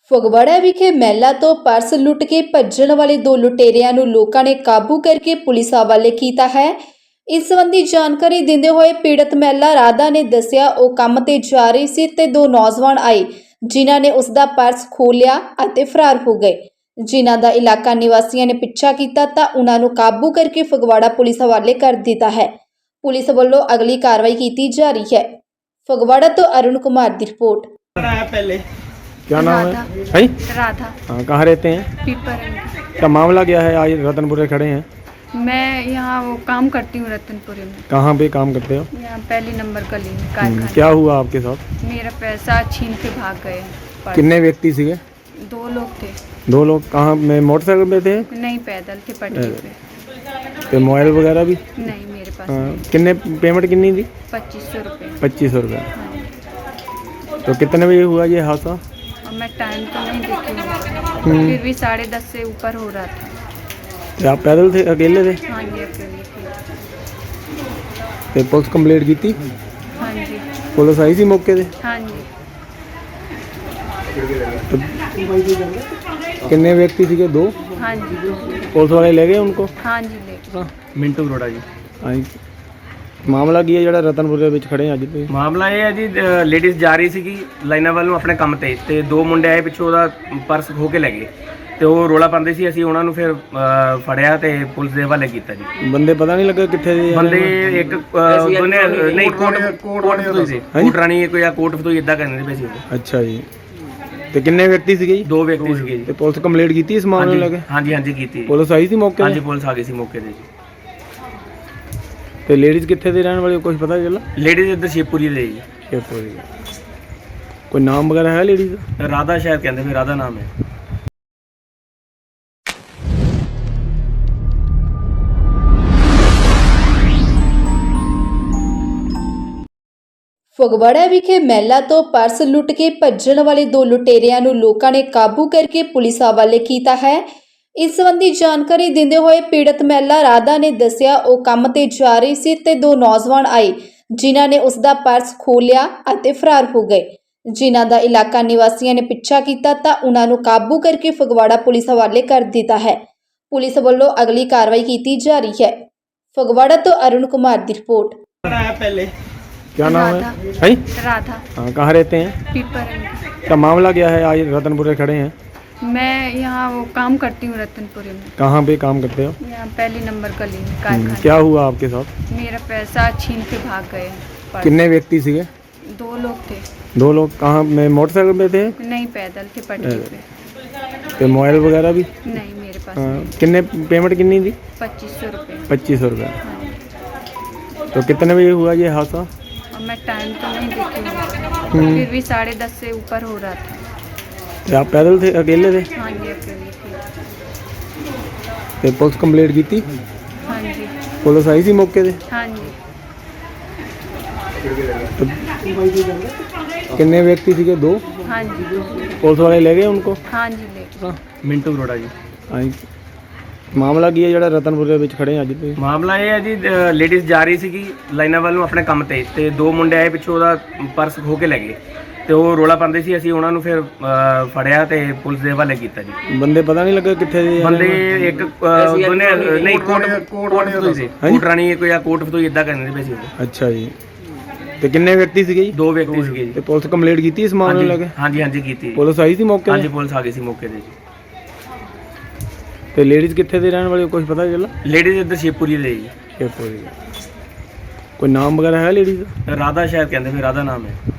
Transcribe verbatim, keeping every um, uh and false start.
ਫਗਵਾੜਾ ਵਿਖੇ ਮਹਿਲਾ ਤੋਂ ਪਰਸ ਲੁੱਟ ਕੇ ਭੱਜਣ ਵਾਲੇ ਦੋ ਲੁਟੇਰਿਆਂ ਨੂੰ ਲੋਕਾਂ ਨੇ ਕਾਬੂ ਕਰਕੇ ਪੁਲਿਸ ਹਵਾਲੇ ਕੀਤਾ ਹੈ। ਇਸ ਸੰਬੰਧੀ ਜਾਣਕਾਰੀ ਦਿੰਦੇ ਹੋਏ ਪੀੜਤ ਮਹਿਲਾ ਰਾਧਾ ਨੇ ਦੱਸਿਆ ਉਹ ਕੰਮ ਤੇ ਜਾ ਰਹੀ ਸੀ ਤੇ ਦੋ ਨੌਜਵਾਨ ਆਏ ਜਿਨ੍ਹਾਂ ਨੇ ਉਸ ਦਾ ਪਰਸ ਖੋਹ ਲਿਆ ਅਤੇ ਫਰਾਰ ਹੋ ਗਏ। ਜਿਨ੍ਹਾਂ ਦਾ ਇਲਾਕਾ ਨਿਵਾਸੀਆਂ ਨੇ ਪਿੱਛਾ ਕੀਤਾ ਤਾਂ ਉਹਨਾਂ ਨੂੰ ਕਾਬੂ ਕਰਕੇ ਫਗਵਾੜਾ ਪੁਲਿਸ ਹਵਾਲੇ ਕਰ ਦਿੱਤਾ ਹੈ। ਪੁਲਿਸ ਵੱਲੋਂ ਅਗਲੀ ਕਾਰਵਾਈ ਕੀਤੀ ਜਾ ਰਹੀ ਹੈ। फगवाड़ा तो अरुण कुमार की रिपोर्ट। पहले क्या नाम राधा। है भाई? राधा। हाँ, कहाँ रहते हैं? पीपर। क्या मामला क्या है? आज रतनपुरे खड़े हैं। मैं यहाँ वो काम करती हूँ रतनपुरे में। कहाँ पे काम करते हो? यहाँ पहली नंबर गली में हम्म, कारखाने। क्या हुआ आपके साथ? मेरा पैसा छीन के भाग गए। पर्स। कितने व्यक्ति सीगे? दो लोग थे। दो लोग कहाँ में मोटरसाइकिल पे थे? नहीं, पैदल थे पटरी पे। तो मोबाइल वगैरह भी? नहीं, मेरे पास हाँ, नहीं। कितने पेमेंट कितनी थी? पच्चीस सौ रुपये। पच्चीस सौ रुपये। हाँ। तो कितने बजे हुआ ये हादसा? और मैं टाइम तो नहीं देखी हूँ, हम्म। फिर भी साढ़े दस से ऊपर हो रहा था। तो आप पैदल थे, अकेले थे? हाँ जी, अकेली थी। तो पुलिस कंप्लेंट की थी? हाँ जी। पुलिस आई थी मौके से? हाँ जी। तो कितने व्यक्ति थे? दो? हाँ जी। पुलिस वाले ले गए उनको? हाँ जी, लेके। ਮਿੰਟੂ ਅਰੋੜਾ ਜੀ। ਹਾਂਜੀ, ਮਾਮਲਾ ਕੀ ਹੈ ਜਿਹੜਾ ਰਤਨਪੁਰੇ ਵਿੱਚ ਖੜੇ ਆ ਅੱਜ ਤੁਸੀਂ? ਮਾਮਲਾ ਇਹ ਹੈ ਜੀ, ਲੇਡੀਜ਼ ਜਾ ਰਹੀ ਸੀਗੀ ਲਾਈਨਾਂ ਵੱਲ ਨੂੰ ਆਪਣੇ ਕੰਮ ਤੇ ਤੇ ਦੋ ਮੁੰਡੇ ਆਏ ਪਿੱਛੋਂ ਉਹਦਾ ਪਰਸ ਖੋ ਕੇ ਲੈ ਗਏ ਤੇ ਉਹ ਰੋਲਾ ਪਾਉਂਦੇ ਸੀ। ਅਸੀਂ ਉਹਨਾਂ ਨੂੰ ਫਿਰ ਅ, ਫੜਿਆ ਤੇ ਪੁਲਿਸ ਦੇ ਹਵਾਲੇ ਕੀਤਾ ਜੀ। ਬੰਦੇ ਪਤਾ ਨਹੀਂ ਲੱਗਾ ਕਿੱਥੇ ਦੇ ਆ? ਬੰਦੇ ਇੱਕ ਅ, ਦੋਨੇ ਨਹੀਂ ਕੋਟ ਕੋਟ ਫਤੋਈ ਸੀ, ਕੋਟ ਰਾਣੀ ਕੋਈ ਆ ਕੋਟ ਫਤੋਈ ਇਦਾਂ ਕਰਦੇ ਪਏ ਸੀ ਉਹ। ਅੱਛਾ ਜੀ। ਤੇ ਕਿੰਨੇ ਵਿਅਕਤੀ ਸੀਗੇ ਜੀ? ਦੋ ਵਿਅਕਤੀ ਸੀਗੇ ਜੀ। ਤੇ ਪੁਲਿਸ ਕੰਪਲੇਂਟ ਕੀਤੀ ਇਸ ਮਾਮਲੇ ਨੂੰ ਲੈ ਕੇ? ਹਾਂਜੀ ਹਾਂਜੀ ਕੀਤੀ। ਪੁਲਿਸ ਆਈ ਸੀ ਮੌਕੇ ਹਾਂਜੀ ਤੇ? ਪੁਲਿਸ ਆ ਗਈ ਸੀ ਮੌਕੇ ਤੇ ਜੀ। ਤੇ ਲੇਡੀਜ਼ ਕਿੱਥੇ ਦੇ ਰਹਿਣ ਵਾਲੇ ਕੁਝ ਪਤਾ ਚੱਲਾ? ਲੇਡੀਜ਼ ਇੱਧਰ ਸ਼ੇਪੂਰੀ ਦੇ ਜੀ। ਸ਼ੇਰਪੁਰ ਦੀ। ਕੋਈ ਨਾਮ ਵਗੈਰਾ ਹੈ ਲੇਡੀਜ਼ ਦਾ? ਰਾਧਾ ਸ਼ਾਇਦ ਕਹਿੰਦੇ ਵੀ ਰਾਧਾ ਨਾਮ ਹੈ। ਫਗਵਾੜਾ ਵਿਖੇ ਮਹਿਲਾ ਤੋਂ ਪਰਸ ਲੁੱਟ ਕੇ ਭੱਜਣ ਵਾਲੇ ਦੋ ਲੁਟੇਰਿਆਂ ਨੂੰ ਲੋਕਾਂ ਨੇ ਕਾਬੂ ਕਰਕੇ ਪੁਲਿਸ ਹਵਾਲੇ ਕੀਤਾ ਹੈ। ਇਸ ਸੰਬੰਧੀ ਜਾਣਕਾਰੀ ਦਿੰਦੇ ਹੋਏ ਪੀੜਤ ਮਹਿਲਾ ਰਾਧਾ ਨੇ ਦੱਸਿਆ ਉਹ ਕੰਮ ਤੇ ਜਾ ਰਹੀ ਸੀ ਤੇ ਦੋ ਨੌਜਵਾਨ ਆਏ ਜਿਨ੍ਹਾਂ ਨੇ ਉਸ ਦਾ ਪਰਸ ਖੋਹ ਲਿਆ ਅਤੇ ਫਰਾਰ ਹੋ ਗਏ। ਜਿਨ੍ਹਾਂ ਦਾ ਇਲਾਕਾ ਨਿਵਾਸੀਆਂ ਨੇ ਪਿੱਛਾ ਕੀਤਾ ਤਾਂ ਉਹਨਾਂ ਨੂੰ ਕਾਬੂ ਕਰਕੇ ਫਗਵਾੜਾ ਪੁਲਿਸ ਹਵਾਲੇ ਕਰ ਦਿੱਤਾ ਹੈ। ਪੁਲਿਸ ਵੱਲੋਂ ਅਗਲੀ ਕਾਰਵਾਈ ਕੀਤੀ ਜਾ ਰਹੀ ਹੈ। ਫਗਵਾੜਾ ਤੋਂ ਅरुण कुमार की रिपोर्ट। पहले क्या नाम है? राधा। भाई? राधा। हाँ, कहाँ रहते हैं? पीपर। क्या मामला क्या है? आज रतनपुरे खड़े हैं। मैं यहाँ वो काम करती हूँ रतनपुरे में। कहाँ पे काम करते हो? यहाँ पहली नंबर गली में हम्म, कारखाने। क्या हुआ आपके साथ? मेरा पैसा छीन के भाग गए। पर्स। कितने व्यक्ति सीगे? दो लोग थे। दो लोग कहाँ में मोटरसाइकिल पे थे? नहीं, पैदल थे पटरी पे। तो मोबाइल वगैरह भी? नहीं, मेरे पास हाँ, नहीं। कितने पेमेंट कितनी थी? पच्चीस सौ रुपये। पच्चीस सौ रुपये। हाँ जी। तो कितने बजे हुआ ये हादसा? और मैं टाइम तो नहीं देखी हूँ, हम्म। फिर भी साढ़े दस से ऊपर हो रहा था। तो आप पैदल थे, अकेले थे? हाँ जी, अकेली थी। तो पुलिस कंप्लेंट की थी? हाँ जी। पुलिस आई थी मौके से? हाँ जी। तो कितने व्यक्ति सीगे? दो? हाँ जी। पुलिस वाले ले गए उनको? हाँ जी, लेके। ਮਿੰਟੂ ਅਰੋੜਾ ਜੀ। ਹਾਂਜੀ, ਮਾਮਲਾ ਕੀ ਹੈ ਜਿਹੜਾ ਰਤਨਪੁਰੇ ਵਿੱਚ ਖੜੇ ਆ ਅੱਜ ਤੁਸੀਂ? ਮਾਮਲਾ ਇਹ ਹੈ ਜੀ, ਲੇਡੀਜ਼ ਜਾ ਰਹੀ ਸੀਗੀ ਲਾਈਨਾਂ ਵੱਲ ਨੂੰ ਆਪਣੇ ਕੰਮ ਤੇ ਤੇ ਦੋ ਮੁੰਡੇ ਆਏ ਪਿੱਛੋਂ ਉਹਦਾ ਪਰਸ ਖੋ ਕੇ ਲੈ ਗਏ ਤੇ ਉਹ ਰੋਲਾ ਪਾਉਂਦੇ ਸੀ। ਅਸੀਂ ਉਹਨਾਂ ਨੂੰ ਫਿਰ ਅ, ਫੜਿਆ ਤੇ ਪੁਲਿਸ ਦੇ ਹਵਾਲੇ ਕੀਤਾ ਜੀ। ਬੰਦੇ ਪਤਾ ਨਹੀਂ ਲੱਗਾ ਕਿੱਥੇ ਦੇ ਆ? ਬੰਦੇ ਇੱਕ ਅ, ਦੋਨੇ ਨਹੀਂ ਕੋਟ ਕੋਟ ਫਤੋਈ ਸੀ, ਕੋਟ ਰਾਣੀ ਕੋਈ ਆ ਕੋਟ ਫਤੋਈ ਇਦਾਂ ਕਰਦੇ ਪਏ ਸੀ ਉਹ। ਅੱਛਾ ਜੀ। ਤੇ ਕਿੰਨੇ ਵਿਅਕਤੀ ਸੀਗੇ ਜੀ? ਦੋ ਵਿਅਕਤੀ ਸੀਗੇ ਜੀ। ਤੇ ਪੁਲਿਸ ਕੰਪਲੇਂਟ ਕੀਤੀ ਇਸ ਮਾਮਲੇ ਨੂੰ ਲੈ ਕੇ? ਹਾਂਜੀ ਹਾਂਜੀ ਕੀਤੀ। ਪੁਲਿਸ ਆਈ ਸੀ ਮੌਕੇ ਹਾਂਜੀ ਤੇ? ਪੁਲਿਸ ਆ ਗਈ ਸੀ ਮੌਕੇ ਤੇ ਜੀ। ਤੇ ਲੇਡੀਜ਼ ਕਿੱਥੇ ਦੇ ਰਹਿਣ ਵਾਲੇ ਕੁਝ ਪਤਾ ਚੱਲਾ? ਲੇਡੀਜ਼ ਇੱਧਰ ਸ਼ੇਪੂਰੀ ਦੇ ਜੀ। ਸ਼ੇਰਪੁਰ ਦੀ। ਕੋਈ ਨਾਮ ਵਗੈਰਾ ਹੈ ਲੇਡੀਜ਼ ਦਾ? ਰਾਧਾ ਸ਼ਾਇਦ ਕਹਿੰਦੇ ਵੀ ਰਾਧਾ ਨਾਮ ਹੈ।